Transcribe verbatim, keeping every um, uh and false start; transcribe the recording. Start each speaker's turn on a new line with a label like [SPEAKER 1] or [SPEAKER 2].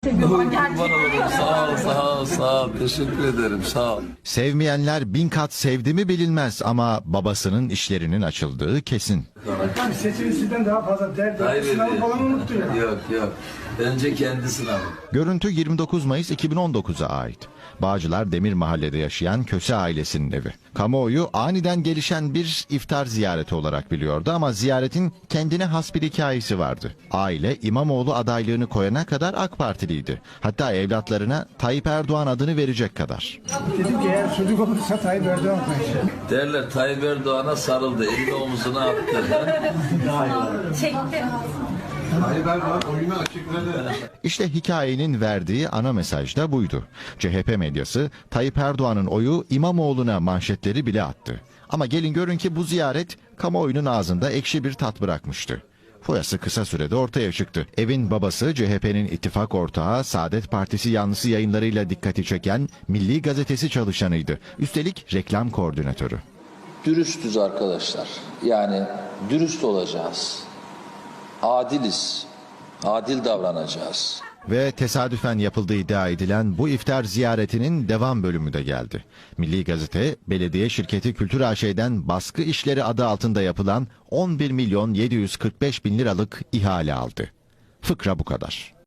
[SPEAKER 1] Kurban olurum. Sağ ol, sağ ol, sağ ol. Teşekkür ederim, sağ ol.
[SPEAKER 2] Sevmeyenler bin kat sevdi mi bilinmez ama babasının işlerinin açıldığı kesin.
[SPEAKER 3] Yani seçimi sizden daha fazla derdi.
[SPEAKER 1] Kaybediyor.
[SPEAKER 3] Sınavı falan unuttu ya.
[SPEAKER 1] Yok, yok. Bence kendi sınavı.
[SPEAKER 2] Görüntü yirmi dokuz Mayıs iki bin on dokuza ait. Bağcılar Demir Mahalle'de yaşayan Köse ailesinin evi. Kamuoyu aniden gelişen bir iftar ziyareti olarak biliyordu ama ziyaretin kendine has bir hikayesi vardı. Aile İmamoğlu adaylığını koyana kadar AK Partiliydi. Hatta evlatlarına Tayyip Erdoğan adını verecek kadar.
[SPEAKER 3] Dedim ki eğer çocuk olursa Tayyip Erdoğan koyacak.
[SPEAKER 1] Derler Tayyip Erdoğan'a sarıldı, elini omuzuna attı.
[SPEAKER 4] Çekti.
[SPEAKER 2] İşte hikayenin verdiği ana mesaj da buydu. C H P medyası Tayyip Erdoğan'ın oyu İmamoğlu'na manşetleri bile attı. Ama gelin görün ki bu ziyaret kamuoyunun ağzında ekşi bir tat bırakmıştı. Foyası kısa sürede ortaya çıktı. Evin babası C H P'nin ittifak ortağı Saadet Partisi yanlısı yayınlarıyla dikkati çeken Milli Gazetesi çalışanıydı. Üstelik reklam koordinatörü.
[SPEAKER 1] Dürüstüz arkadaşlar. Yani dürüst olacağız. Adiliz. Adil davranacağız.
[SPEAKER 2] Ve tesadüfen yapıldığı iddia edilen bu iftar ziyaretinin devam bölümü de geldi. Milli Gazete, belediye şirketi Kültür A Ş'den baskı işleri adı altında yapılan on bir milyon yedi yüz kırk beş bin liralık ihale aldı. Fıkra bu kadar.